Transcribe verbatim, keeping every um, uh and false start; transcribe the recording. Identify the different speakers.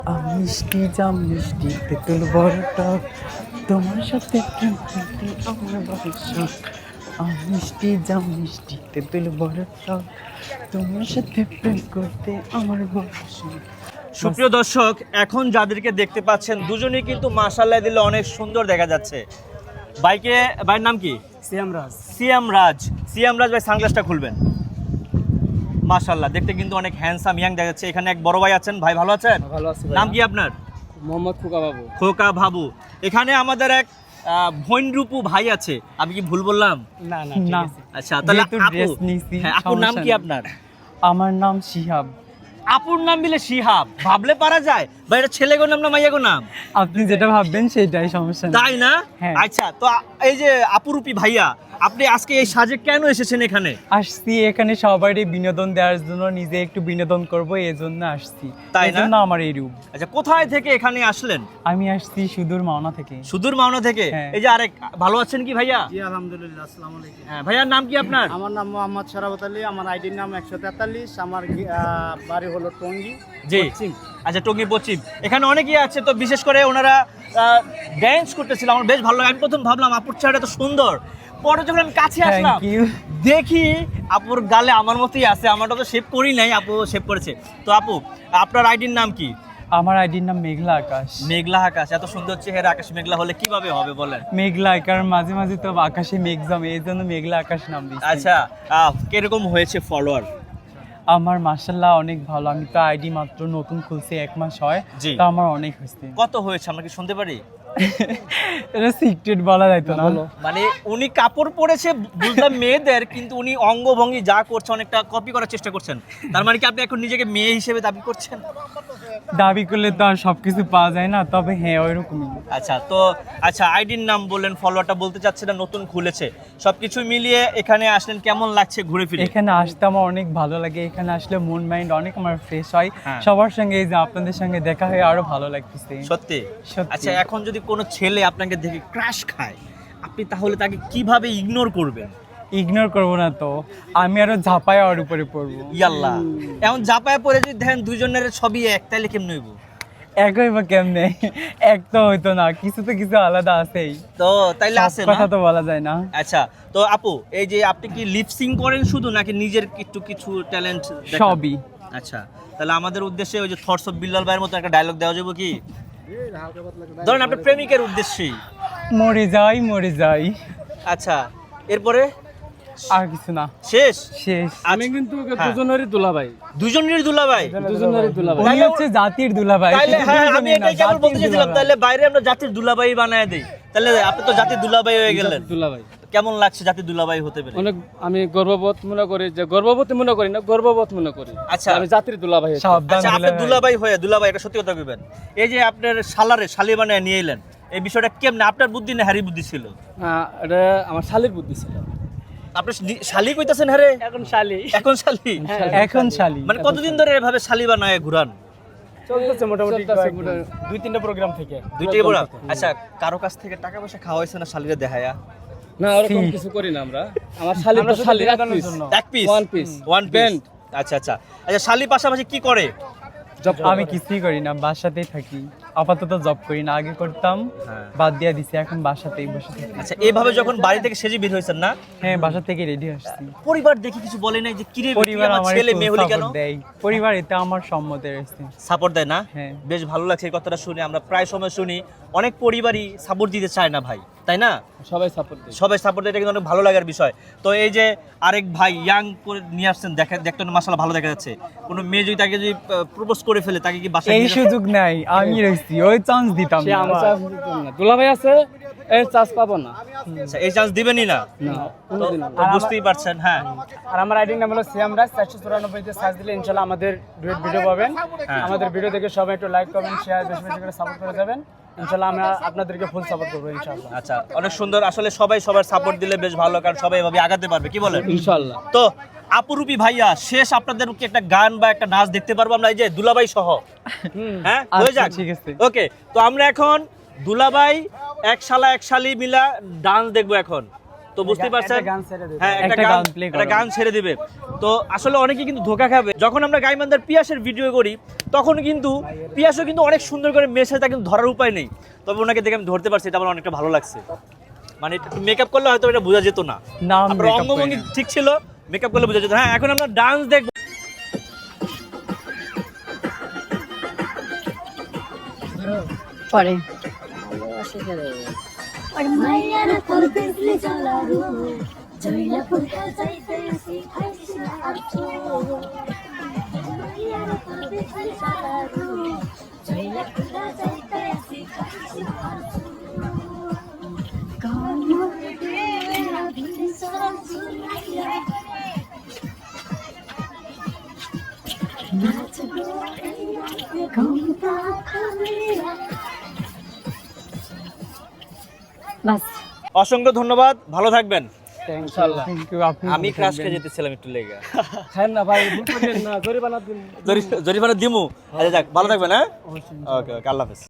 Speaker 1: আমি মিষ্টি জাম মিষ্টি তেঁতুল বড় টক তোমার সাথে প্রেম করতে আমার বড় শখ। আমি মিষ্টি জাম মিষ্টি তেঁতুল বড় টক তোমার সাথে প্রেম করতে আমার বড় শখ।
Speaker 2: সুপ্রিয় দর্শক, এখন যাদেরকে দেখতে পাচ্ছেন দুজনেই কিন্তু মাশাআল্লাহ দিলে অনেক সুন্দর দেখা যাচ্ছে। বাইকে ভাইয়ের নাম কি?
Speaker 1: সিয়াম রাজ।
Speaker 2: সিয়াম রাজ। সিয়াম রাজ ভাই সানগ্লাসটা খুলবেন। মাশাআল্লাহ দেখতে কিন্তু অনেক হ্যান্ডসাম ইয়াং দেখা যাচ্ছে। এখানে এক বড় ভাই আছেন। ভাই ভালো আছেন?
Speaker 1: ভালো আছি।
Speaker 2: নাম কি আপনার?
Speaker 1: মোহাম্মদ খোকা বাবু।
Speaker 2: খোকা বাবু। এখানে আমাদের এক ভৈনরূপু ভাই আছে। আমি কি ভুল বললাম?
Speaker 1: না না না।
Speaker 2: আচ্ছা তাহলে
Speaker 1: যেহেতু
Speaker 2: আপু,
Speaker 1: dress নিছি,
Speaker 2: হ্যাঁ, আপুর নাম
Speaker 1: সমস্যা
Speaker 2: কি
Speaker 1: নেই।
Speaker 2: আপনার?
Speaker 1: আমার নাম শিহাব।
Speaker 2: আপুর নাম দিলে শিহাব, ভাবলে পারা যায় ভাই এটা ছেলে গো নাম না মাইয়া গো নাম?
Speaker 1: আপনি যেটা ভাববেন সেটাই, সমস্যা নেই।
Speaker 2: তাই না?
Speaker 1: হ্যাঁ।
Speaker 2: আচ্ছা তো আ- এই যে আপুরূপী ভাইয়া, আপনি আজকে এই সাজে কেন এসেছেন এখানে?
Speaker 1: আসছি এখানে সবারই বিনোদন দেওয়ার জন্য, নিজে একটু বিনোদন করব এই জন্য আসছি।
Speaker 2: তাই
Speaker 1: এই
Speaker 2: না?
Speaker 1: জন্য আমার এই রূপ।
Speaker 2: আচ্ছা কোথায় থেকে এখানে আসলেন?
Speaker 1: আমি আসছি সুদূর মাওনা থেকে।
Speaker 2: সুদূর মাওনা থেকে।
Speaker 1: হ্যাঁ।
Speaker 2: এই যে আরেক ভালো আছেন কি ভাইয়া?
Speaker 3: জি আলহামদুলিল্লাহ, আসসালামু আলাইকুম।
Speaker 2: হ্যাঁ ভাইয়ার নাম কি আপনার?
Speaker 3: আমার নাম মোহাম্মদ শরাবত আলী, আমার আইডির নাম একশো তেতাল্লিশ, আমার গি- আহ, বাড়ি হলো টঙ্গী
Speaker 2: জি।
Speaker 3: পশ্চিম।
Speaker 2: আচ্ছা টঙ্গী পশ্চিম। এখানে অনেকেই আছে, তো বিশেষ করে ওনারা ড্যান্স করতেছিল, আমার বেশ ভালো লাগে। আমি প্রথম ভাবলাম আপুর চেহারা তো সুন্দর, পরে যখন আমি কাছে আসলাম
Speaker 1: থ্যাংক ইউ।
Speaker 2: দেখি আপুর গালে আমার মতোই আছে। আমারটা তো শেভ করি নাই, আপু শেভ করেছে। তো আপু আপনার আইডির নাম কি?
Speaker 1: আমার আইডির নাম মেঘলা আকাশ।
Speaker 2: মেঘলা আকাশ। এত সুন্দর চেহারা আকাশ মেঘলা হলে কিভাবে হবে বলেন?
Speaker 1: মেঘলা, কারণ মাঝে মাঝে তো আকাশে মেঘ জমে, এই জন্য মেঘলা আকাশ নাম দিয়েছি।
Speaker 2: আচ্ছা আহ, কিরকম হয়েছে ফলোয়ার?
Speaker 1: আমার মাশাআল্লাহ অনেক ভালো। আমি তো আইডি মাত্র নতুন খুলছি, এক মাস হয়।
Speaker 2: জি।
Speaker 1: তো আমার অনেক হয়েছে।
Speaker 2: কত হয়েছে আমরা কি শুনতে পারি?
Speaker 1: এটা সিক্রেট বলা যাইতো না।
Speaker 2: মানে উনি কাপড় পরেছে বুঝলাম মেয়েদের, কিন্তু উনি অঙ্গভঙ্গি যা করছে অনেকটা কপি করার চেষ্টা করছেন। তার মানে কি আপনি এখন নিজেকে মেয়ে হিসেবে দাবি করছেন?
Speaker 1: দাবি করলে তো আর সবকিছু পাওয়া যায় না, তবে হ্যাঁ ওইরকমই।
Speaker 2: আচ্ছা তো আচ্ছা আইডির নাম বললেন, ফলোয়ারটা বলতে চাচ্ছিলেন নতুন খুলেছে, সবকিছু মিলিয়ে এখানে আসলেন, কেমন লাগছে ঘুরে ফিরে?
Speaker 1: এখানে আসতে আমার অনেক ভালো লাগে। এখানে আসলে মন মাইন্ড অনেক আমার ফ্রেশ হয়।
Speaker 2: হ্যাঁ।
Speaker 1: সবার সঙ্গে এই যে আপনাদের সঙ্গে দেখা হয়ে আরো ভালো লাগতেছে।
Speaker 2: সত্যি?
Speaker 1: সত্যি।
Speaker 2: আচ্ছা এখন যদি কোনো ছেলে আপনাকে দেখে ক্রাশ খায়, আপনি তাহলে তাকে কিভাবে ইগনোর করবেন?
Speaker 1: ইগনোর করবো না তো, আমি আরো ঝাঁপায় ওর উপরে পড়বো।
Speaker 2: ইয়াল্লাহ, এখন জাপায় পরে যদি দেখেন দুইজনের ছবি এক, তাইলে কেমন হইব?
Speaker 1: একই বা কেমনে? এক তো হইতো না, কিছু তো কিছু আলাদা আছেই।
Speaker 2: তো তাইলে
Speaker 1: সব
Speaker 2: আছে
Speaker 1: কথা
Speaker 2: না?
Speaker 1: তো বলা যায় না।
Speaker 2: আচ্ছা তো আপু, এই যে আপনি কি লিপসিং করেন শুধু, নাকি নিজের একটু কিছু ট্যালেন্ট?
Speaker 1: সবই।
Speaker 2: আচ্ছা তাহলে আমাদের উদ্দেশ্যে ওই যে থটস অফ বিল্লাল ভাইয়ের মতো একটা ডায়লগ দেওয়া যাবে কি? ধরেন আপনার প্রেমিকের উদ্দেশ্যেই।
Speaker 1: মরে যাই মরে যাই,
Speaker 2: আচ্ছা এরপরে
Speaker 1: আর কিছু না।
Speaker 2: শেষ?
Speaker 1: শেষ।
Speaker 2: আমি কিন্তু
Speaker 3: দুজনেরই দুলাভাই,
Speaker 2: দুজনের দুলাভাই।
Speaker 3: দুজনেরই দুলাভাই।
Speaker 1: উনি হচ্ছে জাতির দুলাভাই।
Speaker 2: তাইলে
Speaker 1: শুধু
Speaker 2: হ্যাঁ, আমি
Speaker 1: দুইজনেই না,
Speaker 2: এটাই কেবল
Speaker 1: জাতির
Speaker 2: বলতে চাইছিলাম,
Speaker 1: দুলাভাই।
Speaker 2: তাহলে বাইরে আমরা জাতির দুলাভাই বানায় দেই। তাহলে আপনি তো জাতির দুলাভাই হয়ে গেলেন।
Speaker 3: দুলাভাই
Speaker 2: কেমন লাগছে জাতির দুলাভাই হতে পেরে?
Speaker 3: অনেক, আমি গর্ববোধ মনে করি, যে গর্ববোধ মনে করি না, গর্ববোধ মনে করি।
Speaker 2: আচ্ছা।
Speaker 3: আমি জাতির দুলাভাই।
Speaker 1: সাবধান
Speaker 2: আচ্ছা আপনি
Speaker 1: দুলাভাই।
Speaker 2: দুলাভাই হয়ে, দুলাভাই এটা সত্যি কথা কইবেন, এই যে আপনার শালারে শালি বানায় নিয়ে এলেন, এই বিষয়টা কেমনে? আপনার বুদ্ধি না হ্যারি বুদ্ধি ছিল?
Speaker 3: হ্যাঁ, এটা আমার শালির বুদ্ধি ছিল।
Speaker 2: আপনি নি- শালি কইতাছেন হ্যারে?
Speaker 3: এখন শালি
Speaker 2: এখন শালি?
Speaker 1: এখন শালি।
Speaker 2: মানে কতদিন ধরে এভাবে শালি বানায় ঘুরান?
Speaker 3: চলতেছে মোটামুটি দুই তিনটা প্রোগ্রাম থেকে।
Speaker 2: দুইটাই বড়। আচ্ছা কারো কাছ থেকে টাকা পয়সা খাওয়া হয়েছে না শালিরে দেখায়া?
Speaker 3: না, ওরকম কিছু করি না আমরা। আমার শালির তো শালির এক পিস,
Speaker 2: এক piece?
Speaker 3: One piece,
Speaker 2: one piece.
Speaker 3: Band.
Speaker 2: আচ্ছা আচ্ছা আচ্ছা শালি পাশাপাশি কি করে?
Speaker 3: জব
Speaker 1: আমি কিছুই করি না, বাসাতেই থাকি। আপাতত জব করি না, আগে করতাম,
Speaker 2: হ্যাঁ।
Speaker 1: বাদ দিয়ে দিছি, এখন বাসাতেই বসে থাকি।
Speaker 2: আচ্ছা এইভাবে যখন বাড়ি থেকে সেজে বের হয়েছেন না,
Speaker 1: হ্যাঁ, বাসা থেকে রেডি আসছি।
Speaker 2: পরিবার দেখি কিছু বলে নাই যে কিরে
Speaker 1: পরিবার
Speaker 2: আমার
Speaker 1: আমার
Speaker 2: ছেলে মেয়ে হলি কেন?
Speaker 1: দেয়, পরিবার এতে আমার সম্মতে রয়েছে।
Speaker 2: সাপোর্ট দেয় না?
Speaker 1: হ্যাঁ।
Speaker 2: বেশ ভালো লাগছে এই কথাটা শুনে। আমরা প্রায় সময় শুনি অনেক পরিবারই সাপোর্ট দিতে চায় না ভাই, তাই না?
Speaker 3: সবাই সাপোর্ট দেয়।
Speaker 2: সবাই সাপোর্ট দেয়, এটা কিন্তু অনেক ভালো লাগার বিষয়। তো এই যে আরেক ভাই ইয়াং করে নিয়ে আসছেন, দেখে দেখতে মাশাআল্লাহ ভালো দেখা যাচ্ছে। কোনো মেয়ে যদি তাকে যদি প্রপোজ করে ফেলে, তাকে কি বাসায়
Speaker 1: এই
Speaker 2: নিয়ে যাবেন?
Speaker 1: সুযোগ নাই, আমি রয়েছি, ওই চান্স দিতাম
Speaker 3: সে
Speaker 1: না।
Speaker 3: আমি চান্স দিতাম না। দুলাভাই আছে, এই চান্স পাবো না।
Speaker 2: আচ্ছা, এই চান্স দিবেনই না?
Speaker 3: না,
Speaker 2: তো
Speaker 3: কোনোদিন না।
Speaker 2: তো বুঝতেই পারছেন। হ্যাঁ
Speaker 4: আর আমার আইডির নাম হলো সিয়াম রাজ। চারশো চুরানব্বই তে সার্চ দিলে ইনশাল্লাহ আমাদের ডুয়েট ভিডিও পাবেন।
Speaker 2: হ্যাঁ।
Speaker 4: আমাদের ভিডিও দেখে সবাই একটু লাইক কমেন্ট শেয়ার বেশি বেশি করে সাপোর্ট করে যাবেন। ইনশাল্লাহ আমরা আপনাদেরকে ফুল সাপোর্ট করবো ইনশাল্লাহ।
Speaker 2: আচ্ছা অনেক সুন্দর। আসলে সবাই সবার সাপোর্ট দিলে বেশ ভালো, কারণ সবাই এভাবে আগাতে পারবে, কি বলেন?
Speaker 3: ইনশাআল্লাহ।
Speaker 2: তো আপুরূপী ভাইয়া, শেষ আপনাদের কি একটা গান বা একটা নাচ দেখতে পারবো আমরা, এই যে দুলাভাই সহ? হ্যাঁ হয়ে
Speaker 1: আচ্ছা,
Speaker 2: যাক,
Speaker 1: ঠিক আছে।
Speaker 2: ওকে। তো আমরা এখন দুলাভাই এক শালা এক শালি মিলা ডান্স দেখবো এখন। তো বুঝতেই পারছেন,
Speaker 4: একটা গান ছেড়ে দিন।
Speaker 2: হ্যাঁ একটা
Speaker 1: একটা
Speaker 2: গান
Speaker 1: গান play
Speaker 2: একটা
Speaker 1: করো।
Speaker 2: গান ছেড়ে দিবে। তো আসলে অনেকে কিন্তু ধোকা খাবে। যখন আমরা গাইবান্ধার পিয়াসের ভিডিও করি তখন কিন্তু পিয়াসও কিন্তু অনেক সুন্দর করে মেশে, তা কিন্তু ধরার উপায় নেই। তবে ওনাকে দেখে আমি ধরতে পারছি, এটা আমার অনেকটা ভালো লাগছে। মানে মেকআপ করলে হয়তো এটা বোঝা যেত না,
Speaker 1: না
Speaker 2: আপনার অঙ্গভঙ্গি ঠিক ছিল, মেকআপ করলে বোঝা যেত। হ্যাঁ, এখন আমরা ডান্স দেখবো।
Speaker 5: পরে
Speaker 6: और मायारा तोर बिजली जलारू जइला पुरका जाइते असि खाइसिना आछो मायारा तोर बिजली जलारू जइला पुरका जाइते असि खाइसिना आछो कानो देवेरा भिडी सरम सुनाइया नाच गो घुमता खमेरा
Speaker 5: বাস
Speaker 2: অসংখ্য ধন্যবাদ, ভালো থাকবেন।
Speaker 4: ইনশাআল্লাহ থ্যাংক ইউ। আপনি
Speaker 2: আমি ক্রাশ খেয়ে যেতেছিলাম একটু লেগে।
Speaker 4: খান না ভাই, ভুল করেন না, জরিমানা দিন।
Speaker 2: জরিমানা দিমু। আচ্ছা যাক, ভালো থাকবেন। হ্যাঁ, ওকে ওকে, আল্লাহ হাফেজ।